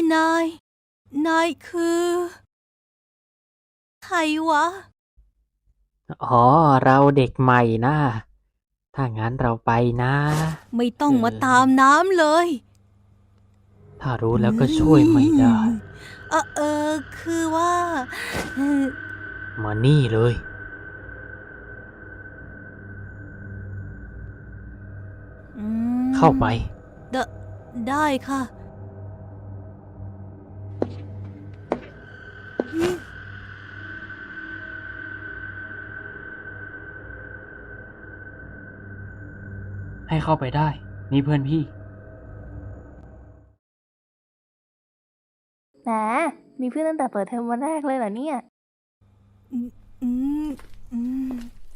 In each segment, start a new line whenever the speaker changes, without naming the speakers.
นายคือใครวะ
อ๋อเราเด็กใหม่นะถ้างั้นเราไปนะ
ไม่ต้องมาตามน้ำเลย
ถ้ารู้แล้วก็ช่วยไม่ได้
คือว่าเออ
มานี่เลย
อื
เข้าไป
มไดได้ค่ะอืม
ให้เข้าไปได้นี่เพื่อนพี่
แหมมีเพื่อนตั้งแต่เปิดเทอมวันแรกเลยเหรอเนี่ย
อืมอืมอืม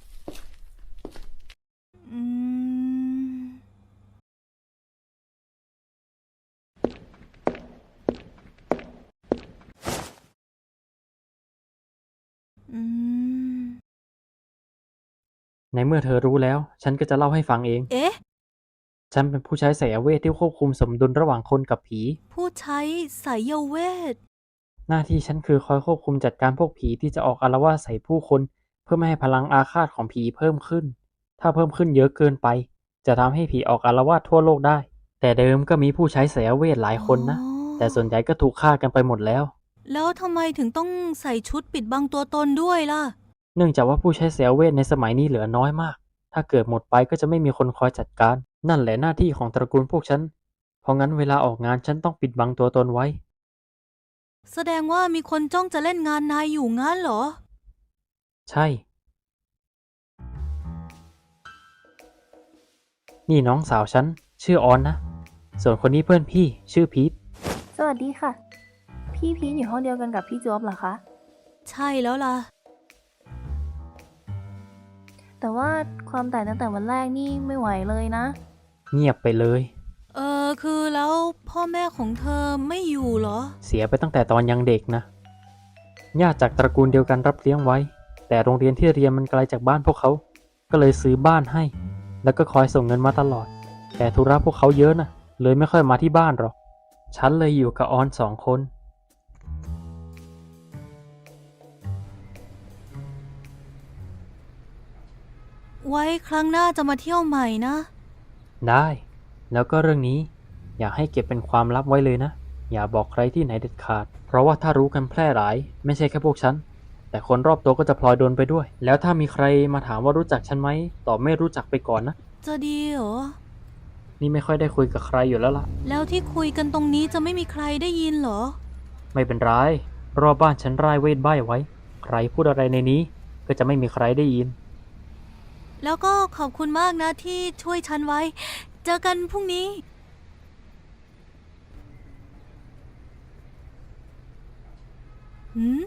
อืมอืม
ในเมื่อเธอรู้แล้วฉันก็จะเล่าให้ฟังเอง
เอ๊ะ
ฉันเป็นผู้ใช้ไสยเวทที่ควบคุมสมดุลระหว่างคนกับผี
ผู้ใช้สายเวท
หน้าที่ฉันคือคอยควบคุมจัดการพวกผีที่จะออกอาละวาดใส่ผู้คนเพื่อไม่ให้พลังอาฆาตของผีเพิ่มขึ้นถ้าเพิ่มขึ้นเยอะเกินไปจะทำให้ผีออกอาละวาดทั่วโลกได้แต่เดิมก็มีผู้ใช้ไสยเวทหลายคนนะแต่ส่วนใหญ่ก็ถูกฆ่ากันไปหมดแล้ว
แล้วทำไมถึงต้องใส่ชุดปิดบังตัวตนด้วยล่ะ
เนื่องจากว่าผู้ใช้ไสยเวทในสมัยนี้เหลือน้อยมากถ้าเกิดหมดไปก็จะไม่มีคนคอยจัดการนั่นแหละหน้าที่ของตระกูลพวกฉันเพราะงั้นเวลาออกงานฉันต้องปิดบังตัวตนไว้
แสดงว่ามีคนจ้องจะเล่นงานนายอยู่งั้นเหรอ
ใช่นี่น้องสาวฉันชื่อออนนะส่วนคนนี้เพื่อนพี่ชื่อพีท
สวัสดีค่ะ พี่พีทอยู่ห้องเดียวกันกับพี่จ๊อบเหรอคะ
ใช่แล้วล่ะ
แต่ว่าความแตกตั้งแต่วันแรกนี่ไม่ไหวเลยนะ
เงียบไปเลย
คือแล้วพ่อแม่ของเธอไม่อยู่เหรอ
เสียไปตั้งแต่ตอนยังเด็กนะญาติจากตระกูลเดียวกันรับเลี้ยงไว้แต่โรงเรียนที่เรียนมันไกลจากบ้านพวกเขาก็เลยซื้อบ้านให้แล้วก็คอยส่งเงินมาตลอดแต่ธุระพวกเขาเยอะนะเลยไม่ค่อยมาที่บ้านหรอกฉันเลยอยู่กับออน2 คน
ไว้ครั้งหน้าจะมาเที่ยวใหม่นะ
ได้แล้วก็เรื่องนี้อยากให้เก็บเป็นความลับไว้เลยนะอย่าบอกใครที่ไหนเด็ดขาดเพราะว่าถ้ารู้กันแพร่หลายไม่ใช่แค่พวกฉันแต่คนรอบตัวก็จะพลอยโดนไปด้วยแล้วถ้ามีใครมาถามว่ารู้จักฉันไหมตอบไม่รู้จักไปก่อนนะ
จะดีเหรอ
นี่ไม่ค่อยได้คุยกับใครอยู่แล้วล่ะ
แล้วที่คุยกันตรงนี้จะไม่มีใครได้ยินเหรอ
ไม่เป็นไรรอบบ้านฉันร่ายเวทใบ้ไว้ใครพูดอะไรในนี้ก็จะไม่มีใครได้ยิน
แล้วก็ขอบคุณมากนะที่ช่วยฉันไว้ เจอกันพรุ่งนี้หืม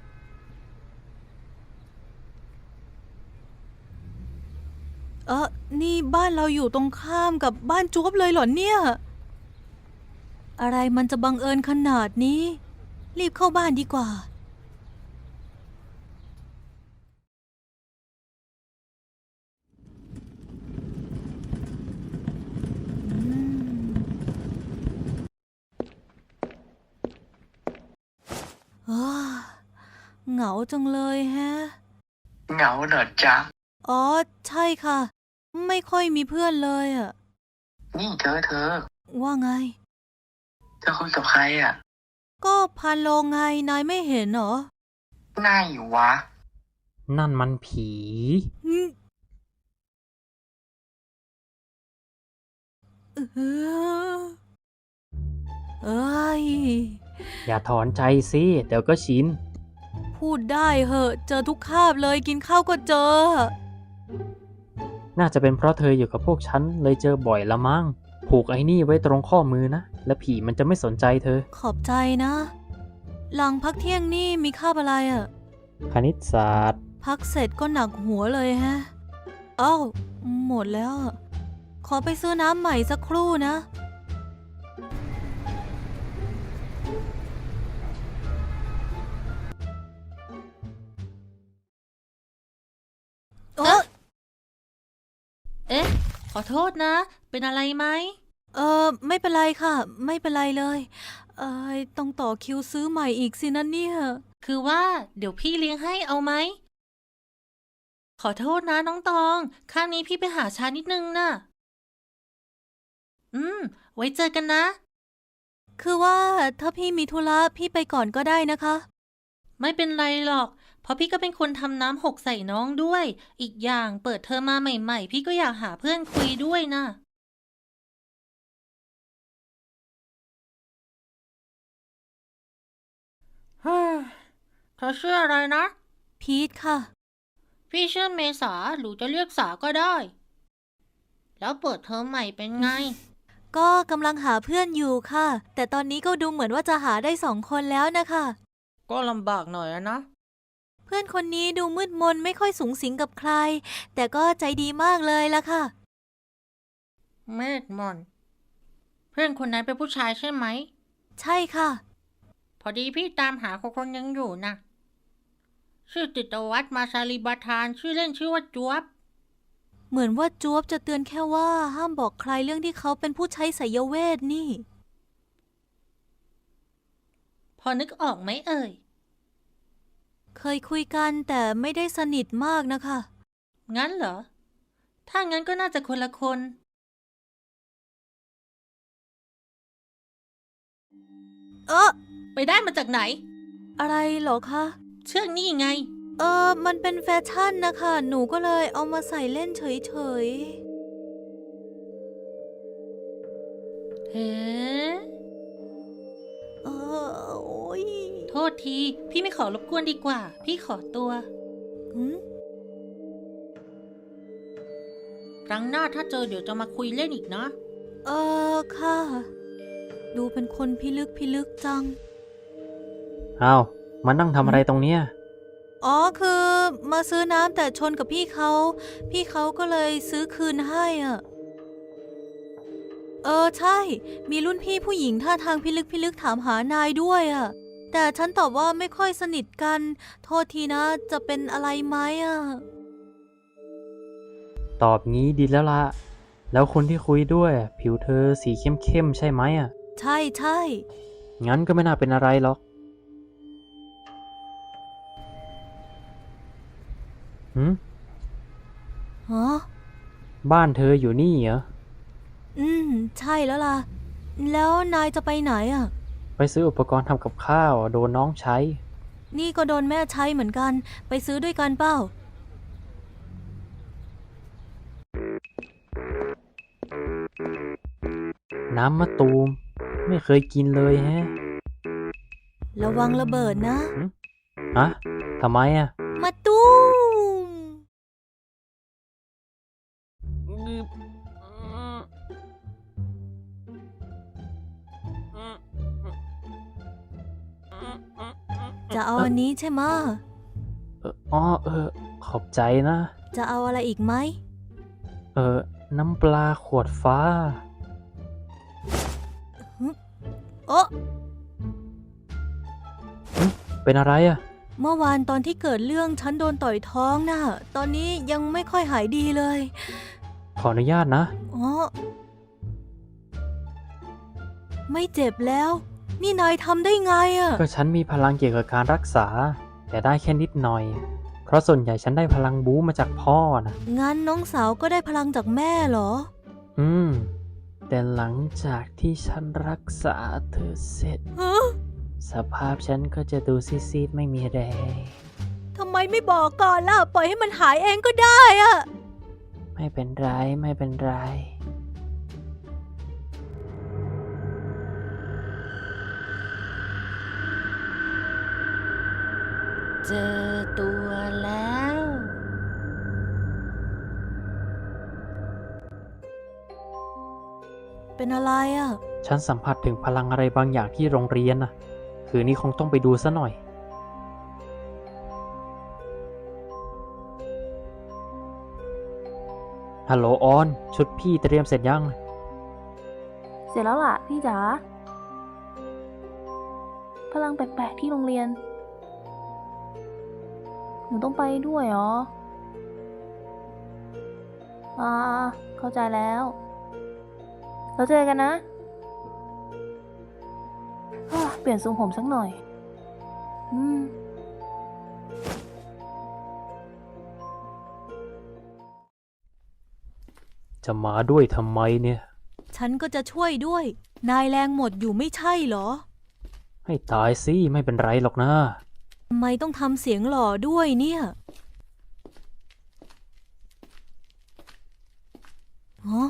นี่บ้านเราอยู่ตรงข้ามกับบ้านจ๊วบเลยเหรอเนี่ย อะไรมันจะบังเอิญขนาดนี้ รีบเข้าบ้านดีกว่าอืมอ้าเหงาจังเลยแฮะ
เหงาเหรอจ๊ะ
อ๋อ ใช่ค่ะ ไม่ค่อยมีเพื่อนเลยอะ
นี่เธอ
ว่าไง
เธอคุยกับใครอ่ะ
ก็พานโลงไง นายไม่เห็นเหรอ
ไหนวะ
นั่นมันผี
อืมเออเอ้ย
อย่าถอนใจสิเดี๋ยวก็ชิน
พูดได้เหอะ เจอทุกคาบเลยกินข้าวก็เจอ
น่าจะเป็นเพราะเธออยู่กับพวกฉันเลยเจอบ่อยละมั้งผูกไอ้นี่ไว้ตรงข้อมือนะและผีมันจะไม่สนใจเธอ
ขอบใจนะ หลังพักเที่ยงนี่มีคาบอะไรอะ
คณิตศาสตร์
พักเสร็จก็หนักหัวเลยฮะเอ้าหมดแล้วอะขอไปซื้อน้ำใหม่สักครู่นะเออ
เอ๊ะ ขอโทษนะ เป็นอะไรไหม
ไม่เป็นไรค่ะ ไม่เป็นไรเลยต้องต่อคิวซื้อใหม่อีกสินะเนี่ย
คือว่าเดี๋ยวพี่เลี้ยงให้เอาไหม ขอโทษนะน้องตอง ข้างนี้พี่ไปหาช้านิดนึงน่ะ ไว้เจอกันนะ
คือว่าถ้าพี่มีธุระพี่ไปก่อนก็ได้นะคะ
ไม่เป็นไรหรอก เพราะพี่ก็เป็นคนทำน้ำหกใส่น้องด้วย อีกอย่างเปิดเทอมมาใหม่ๆ พี่ก็อยากหาเพื่อนคุยด้วยนะฮ่าเธอชื่ออะไรนะ
พีทค่ะ
พี่ชื่อเมษาหรือจะเรียกสาก็ได้ แล้วเปิดเทอมใหม่เป็นไง
ก็กำลังหาเพื่อนอยู่ค่ะ แต่ตอนนี้ก็ดูเหมือนว่าจะหาได้2 คนแล้วนะคะ
ก็ลำบากหน่อยนะ
เพื่อนคนนี้ดูมืดมนไม่ค่อยสุงสิงกับใคร แต่ก็ใจดีมากเลยล่ะค่ะ
เมธมอน เพื่อนคนนั้นเป็นผู้ชายใช่ไหม
ใช่ค่ะ
พอดีพี่ตามหาคนยังอยู่นะชื่อติตวัฒน์มาชาลีบาทานชื่อเล่นชื่อว่าจวบ
เหมือนว่าจ๊วบจะเตือนแค่ว่าห้ามบอกใครเรื่องที่เขาเป็นผู้ใช้ไสยเวทนี่
พอนึกออกไหมเอ่ย
เคยคุยกันแต่ไม่ได้สนิทมากนะคะ
งั้นเหรอ ถ้างั้นก็น่าจะคนละคน ไปได้มาจากไหน
อะไรเหรอคะ
เชือกนี่ไง
มันเป็นแฟชั่นนะคะ หนูก็เลยเอามาใส่เล่นเฉย
เฮ้
ๆ โอ้ย
โทษที พี่ไม่ขอรบกวนดีกว่า พี่ขอตัว
หืม
ครั้งหน้าถ้าเจอเดี๋ยวจะมาคุยเล่นอีกนะ
ค่ะ ดูเป็นคนพิลึกจัง
อ้าวมานั่งทำอะไรตรงเนี้ย
อ๋อ คือมาซื้อน้ำแต่ชนกับพี่เขาก็เลยซื้อคืนให้อ่ะ ใช่ มีรุ่นพี่ผู้หญิงท่าทางพิลึกถามหานายด้วยอ่ะ แต่ฉันตอบว่าไม่ค่อยสนิทกัน โทษทีนะ จะเป็นอะไรไหมอ่ะ
ตอบงี้ดีแล้วละแล้วคนที่คุยด้วยผิวเธอสีเข้มๆใช่ไหมอ่ะ
ใช่
งั้นก็ไม่น่าเป็นอะไรหรอกหืม
ฮะ
บ้านเธออยู่นี่เหรอ
ใช่แล้วล่ะ แล้วนายจะไปไหนอ่ะ
ไปซื้ออุปกรณ์ทำกับข้าวโดนน้องใช้
นี่ก็โดนแม่ใช้เหมือนกัน ไปซื้อด้วยกันเปล่า
น้ำมะตูม ไม่เคยกินเลยแฮะ
ระวังระเบิดนะ
ฮะทำไมอ่ะ
มาตุ้ม จะเอาอันนี้ใช่ไหมะ
ขอบใจนะ
จะเอาอะไรอีกไหม
น้ำปลาขวดฟ้า
โอ๊ะ
เป็นอะไรอ่ะ
เมื่อวานตอนที่เกิดเรื่องฉันโดนต่อยท้องน่ะ ตอนนี้ยังไม่ค่อยหายดีเลย
ขออนุญาตนะ
อ๋อ ไม่เจ็บแล้ว นี่นายทำได้ไงอะ
ก็ฉันมีพลังเกี่ยวกับการรักษา แต่ได้แค่นิดหน่อย เพราะส่วนใหญ่ฉันได้พลังบู๊มาจากพ่อนะ
งั้นน้องสาวก็ได้พลังจากแม่เหรอ
แต่หลังจากที่ฉันรักษาเธอเสร็จ สภาพฉันก็จะดูซีดๆไม่มีแรง
ทำไมไม่บอกก่อนล่ะ ปล่อยให้มันหายเองก็ได้อะ
ไม่เป็นไรไม่เป็นไร
เจอตัวแล้ว
เป็นอะไรอะ
ฉันสัมผัสถึงพลังอะไรบางอย่างที่โรงเรียนนะคืนนี้คงต้องไปดูซะหน่อย ฮัลโหลออน ชุดพี่เตรียมเสร็จยัง
เสร็จแล้วล่ะพี่จ๋า พลังแปลกๆที่โรงเรียน หนูต้องไปด้วยเหรอ เข้าใจแล้ว เราเจอกันนะเปลี่ยนทรงผมสักหน่อย
จะมาด้วยทำไมเนี่ย
ฉันก็จะช่วยด้วย นายแรงหมดอยู่ไม่ใช่เหรอ
ให้ตายสิไม่เป็นไรหรอกนะ
ทำไมต้องทำเสียงหล่อด้วยเนี่ยฮะ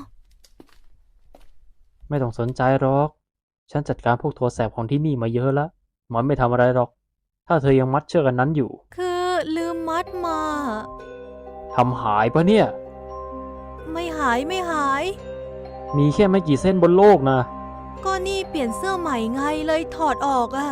ไม่ต้องสนใจหรอก ฉันจัดการพวกตัวแสบของที่นี่มาเยอะแล้วมันไม่ทำอะไรหรอก ถ้าเธอยังมัดเชือกอันนั้นอยู่
คือลืมมัดมา
ทำหายปะเนี่ย
ไม่หายไม่หาย
มีแค่ไม่กี่เส้นบนโลกนะ
ก็นี่เปลี่ยนเสื้อใหม่ไงเลยถอดออกอะ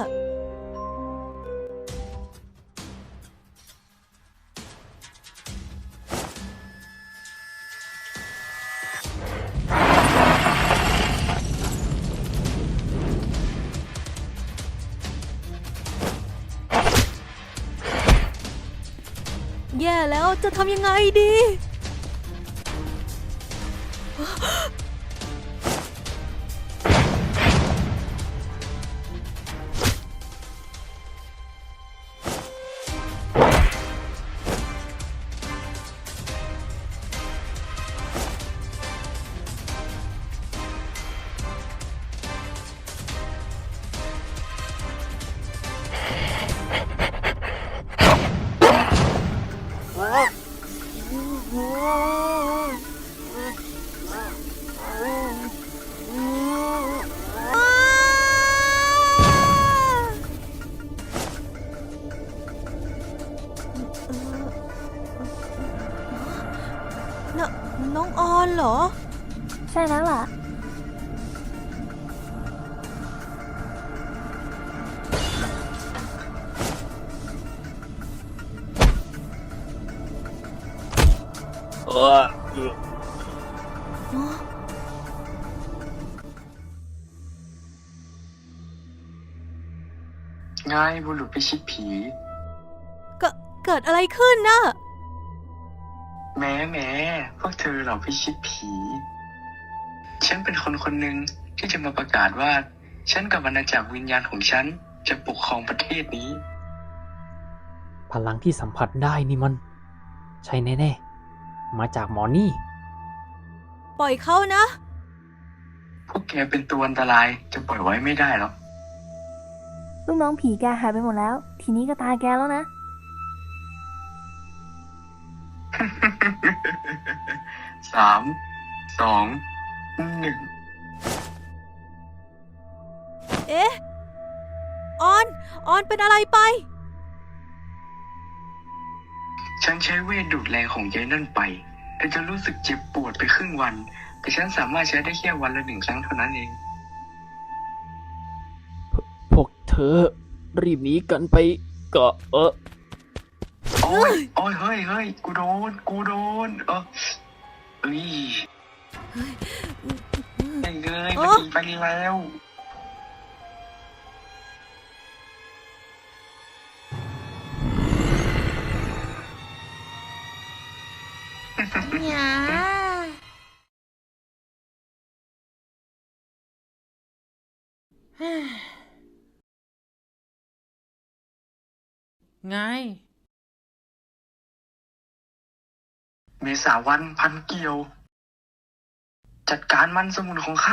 แย่แล้วจะทำยังไงดี น้องออนเหรอ
ใช่แล้วล่ะ
ไงบุรุษพิชิตผี
เกิดอะไรขึ้นน่ะ
แม้พวกเธอเหล่าพิชิตผี ฉันเป็นคนคนหนึ่งที่จะมาประกาศว่า ฉันกับอาณาจักรวิญญาณของฉันจะปกครองประเทศนี้
พลังที่สัมผัสได้นี่มัน ใช่แน่ๆ มาจากหมอนี่
ปล่อยเขานะ
พวกแกเป็นตัวอันตรายจะปล่อยไว้ไม่ได้หรอก
ลูกน้องผีแกหายไปหมดแล้ว ทีนี้ก็ตาแกแล้วนะ
3 2 1
เอ๊ะ ออนเป็นอะไรไป
ฉันใช้เวทดูดแรงของยายนั่นไปแต่จะรู้สึกเจ็บปวดไปครึ่งวัน แต่ฉันสามารถใช้ได้แค่วันละ1 ครั้งเท่านั้นเอง
พวกเธอ รีบหนีกันไปก็
โอ้ยเฮ้ย กูโดนเอ้ยไอ้เงยมันหนีไปแล้ว
หยาไง
เมษาวันพันเกี่ยว จัดการมันสมุนของข้า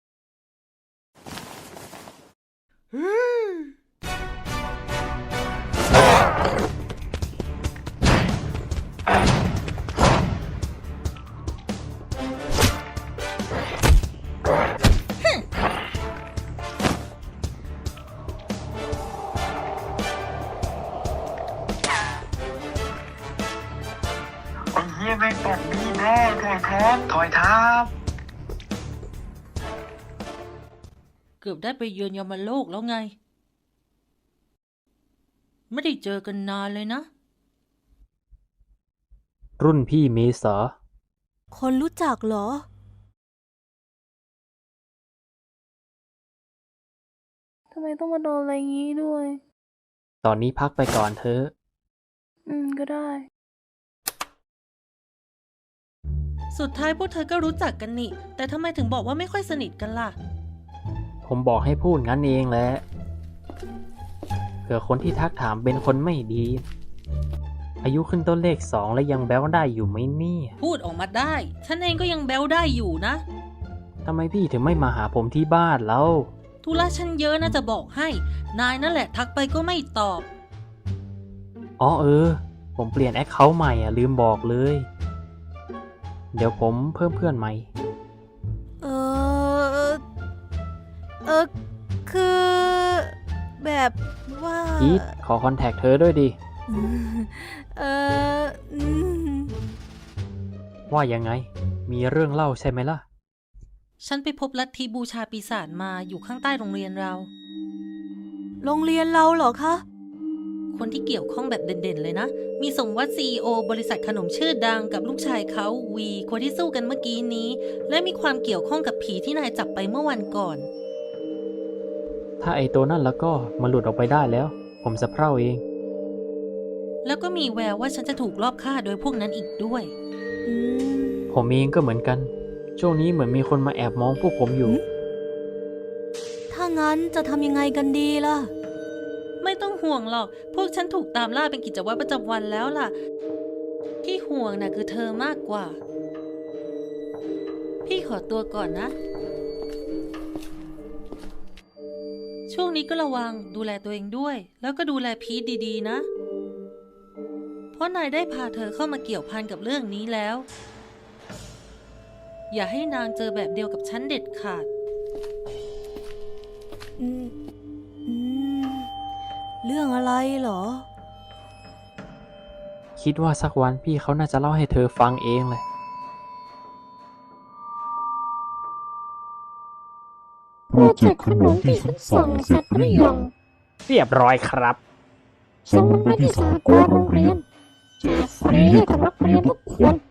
ไอ้เหี้ยแม่งตกดีแน่ถอยทับ
เกือบได้ไปเยือนยมโลกแล้วไง ไม่ได้เจอกันนานเลยนะ
รุ่นพี่เมษา
คนรู้จักเหรอ
ทำไมต้องมาโดนอะไรงี้ด้วย
ตอนนี้พักไปก่อนเถอะ
ก็ได้
สุดท้ายพวกเธอก็รู้จักกันนี่ แต่ทำไมถึงบอกว่าไม่ค่อยสนิทกันล่ะ
ผมบอกให้พูดงั้นเองแหละผื่อคนที่ทักถามเป็นคนไม่ดี อายุขึ้นต้นเลข 2 แล้วยังแบ้วได้อยู่ไหมเนี่ย
พูดออกมาได้ ฉันเองก็ยังแบลได้อยู่นะ
ทำไมพี่ถึงไม่มาหาผมที่บ้านแล้ว
ธุระฉันเยอะนะจะบอกให้ นายนั่นแหละทักไปก็ไม่ตอบ
อ๋อผมเปลี่ยนแอคเคาท์ใหม่ลืมบอกเลย เดี๋ยวผมเพิ่มเพื่อนใหม่
เออเออคือ แบบว่า
พีทขอคอนแทคเธอด้วยดิ
เอออืม
ว่ายังไง มีเรื่องเล่าใช่ไหมล่ะ
ฉันไปพบลัทธิบูชาปีศาจมาอยู่ข้างใต้โรงเรียนเรา
โรงเรียนเราเหรอคะ
คนที่เกี่ยวข้องแบบเด่นๆเลยนะ มีสมวัติ CEO บริษัทขนมชื่อดังกับลูกชายเขาวีคนที่สู้กันเมื่อกี้นี้ และมีความเกี่ยวข้องกับผีที่นายจับไปเมื่อวันก่อน
ถ้าไอตัวนั่นแล้วก็มันหลุดออกไปได้แล้ว ผมจะเพร่าเอง
แล้วก็มีแววว่าฉันจะถูกลอบฆ่าโดยพวกนั้นอีกด้วย
อืม
ผมเองก็เหมือนกัน ช่วงนี้เหมือนมีคนมาแอบมองพวกผมอยู่
ถ้างั้นจะทำยังไงกันดีล่ะ
ไม่ต้องห่วงหรอก พวกฉันถูกตามล่าเป็นกิจวัตรประจำวันแล้วล่ะ ที่ห่วงน่ะคือเธอมากกว่า พี่ขอตัวก่อนนะ ช่วงนี้ก็ระวังดูแลตัวเองด้วย แล้วก็ดูแลพีทดีๆนะ เพราะนายได้พาเธอเข้ามาเกี่ยวพันกับเรื่องนี้แล้ว อย่าให้นางเจอแบบเดียวกับฉันเด็ดขาด
อืมอืมเรื่องอะไรเหรอ
คิดว่าสักวันพี่เขาน่าจะเล่าให้เธอฟังเองเลย
โปรเจกต์ขนมที่ฉันสั่งเสร็จหรือยัง
เรียบร้อยครับ
ส่งมันไปที่สหกรณ์โรงเรียนแจกฟรีให้กับนักเรียนทุกคน